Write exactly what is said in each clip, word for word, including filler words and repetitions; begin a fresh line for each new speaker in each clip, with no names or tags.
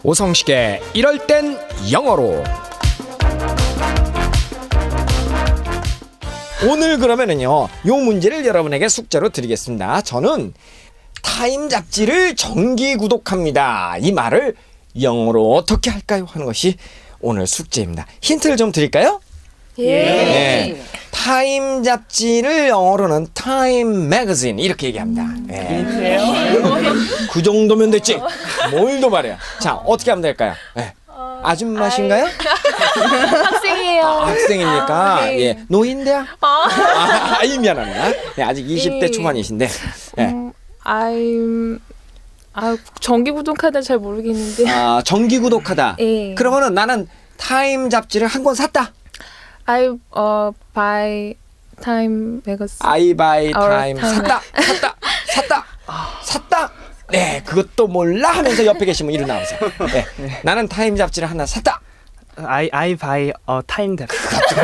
오성식의 이럴 땐 영어로. 오늘 그러면은요, 요 문제를 여러분에게 숙제로 드리겠습니다. 저는 타임 잡지를 정기 구독합니다. 이 말을 영어로 어떻게 할까요? 하는 것이 오늘 숙제입니다. 힌트를 좀 드릴까요?
예.
네. 타임 잡지를 영어로는 타임 매거진 이렇게 얘기합니다. 네. 그 정도면 됐지. 뭘 더 말해요. 자, 어떻게 하면 될까요? 네. 아줌마신가요?
학생이에요.
아, 학생입니까?
아, 네.
예, 노인대야? 아, 아이 미안합니다. 네, 아직 이십 대
예.
초반이신데. 네.
음, I'm 아 정기 구독하다 잘 모르겠는데.
아, 정기 구독하다.
예.
그러면은 나는 타임 잡지를 한 권 샀다.
I uh buy Time Magazine.
I buy time.
time.
샀다. 샀다. 샀다. 샀다. 네, 그것도 몰라 하면서 옆에 계시면 이리 나오세요. 네, 나는 타임 잡지를 하나 샀다.
I I buy a time tab.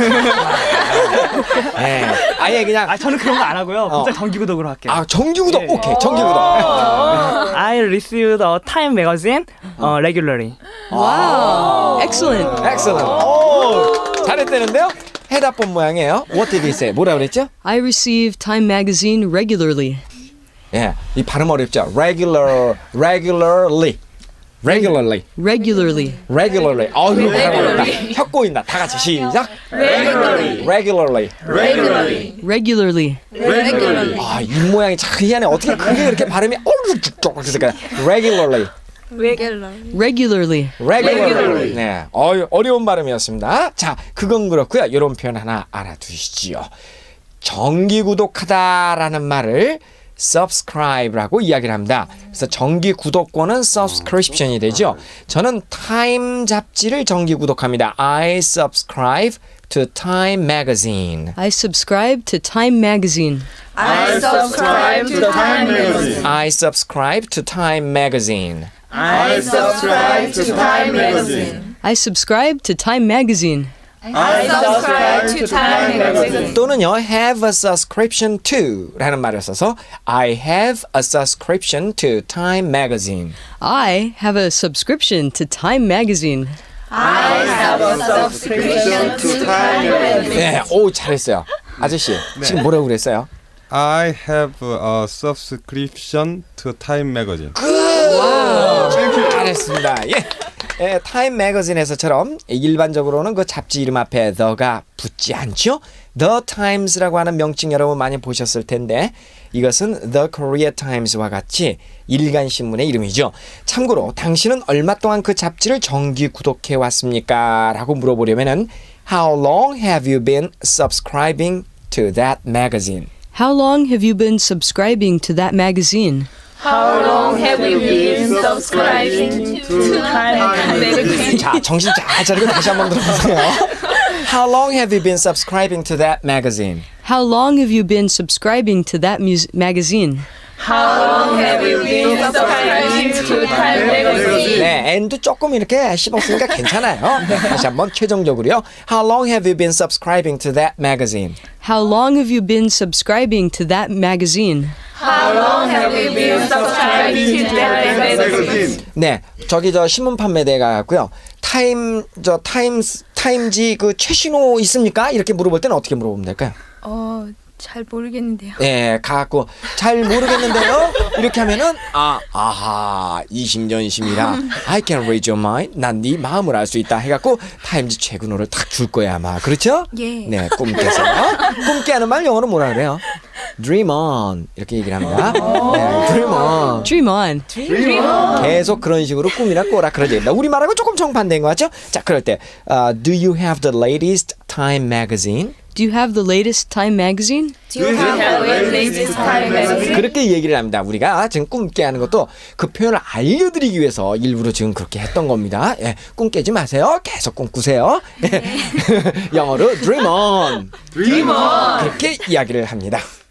네, 아예 그냥
아 저는 그런 거 안 하고요.
어.
진짜 정기 구독으로 할게요.
아 정기 구독.
네.
오케이, 정기 구독.
I received a time magazine uh, regularly.
Wow. Excellent.
Excellent. 오, 잘했다는데요? 해답본 모양이에요. What did he say? 뭐라 그랬죠?
I receive Time magazine regularly.
예, 이 발음 어렵죠. Regular, regularly, regularly,
Regularly.
regularly. 어, 이거 발음 어렵다. 혀 꼬인다. 다 같이 시작. Regularly, regularly.
Regularly.
아, 입 모양이 참 희한해. 어떻게 그게 그렇게 발음이 어르륵 그랬을까요? Regularly,
Regularly.
regularly. 네, 어, 어려운 발음이었습니다. 자, 그건 그렇고요. 이런 표현 하나 알아두시지요. 정기 구독하다라는 말을 subscribe라고 이야기를 합니다. 그래서 정기 구독권은 subscription이 되죠. 저는 타임 잡지를 정기 구독합니다. I subscribe to Time magazine.
I subscribe to Time magazine.
I subscribe to Time Magazine.
I subscribe to Time magazine.
I subscribe to Time Magazine.
I subscribe to Time magazine.
I subscribe to Time Magazine.
또는요, have a subscription to 라는 말을 써서 I have a subscription to Time magazine.
I have a subscription to Time magazine.
I have a subscription to Time Magazine.
네, 오, 잘했어요. 아저씨, 지금 뭐라고 그랬어요?
I have a subscription to Time magazine.
잘했습니다. 예. 예, 타임 매거진에서처럼 일반적으로는 그 잡지 이름 앞에 the가 붙지 않죠? The Times라고 하는 명칭 여러분 많이 보셨을 텐데 이것은 The Korea Times와 같이 일간 신문의 이름이죠. 참고로 당신은 얼마 동안 그 잡지를 정기 구독해 왔습니까? 라고 물어보려면은 How long have you been subscribing to that magazine?
How long have you been subscribing to that magazine?
How long have you been subscribing to Time Magazine?
자, 정신 잘 차리고 다시 한번 들어보세요. How long have you been subscribing to that magazine?
How long have you been subscribing to that mus- magazine?
How long have you been subscribing to Time Magazine?
네, N도 조금 이렇게 씹었으니까 괜찮아요. 다시 한번 최종적으로요. How long have you been subscribing to that magazine?
How long have you been subscribing to that magazine?
How long have you been subscribing to Time Magazine?
네, 저기 저 신문 판매대에 가고요. 타임 저 타임스 타임지 그 최신호 있습니까? 이렇게 물어볼 때는 어떻게 물어보면 될까요?
어, 잘 모르겠는데요.
네, 가갖고 잘 모르겠는데요. 이렇게 하면은 아, 아하, 이심전심이라 I can read your mind. 난 네 마음을 알 수 있다. 해갖고 타임지 최근호를 딱 줄 거야 아마. 그렇죠?
예.
네, 꿈깨서 꿈깨 하는 말 영어로 뭐라 그래요? Dream on 이렇게 얘기를 합니다. 네, Dream on.
Dream on.
계속 그런 식으로 꿈이나 꿔라 그러지. 우리 말하고 조금 정반대인 것 같죠? 자, 그럴 때 uh, Do you have the latest Time magazine?
Do you have the latest Time magazine?
Do you have the latest Time Magazine?
그렇게 얘기를 합니다. 우리가 지금 꿈 깨 하는 것도 그 표현을 알려드리기 위해서 일부러 지금 그렇게 했던 겁니다. 예, 꿈 깨지 마세요. 계속 꿈 꾸세요. 예. 영어로 dream on.
Dream on.
그렇게 이야기를 합니다.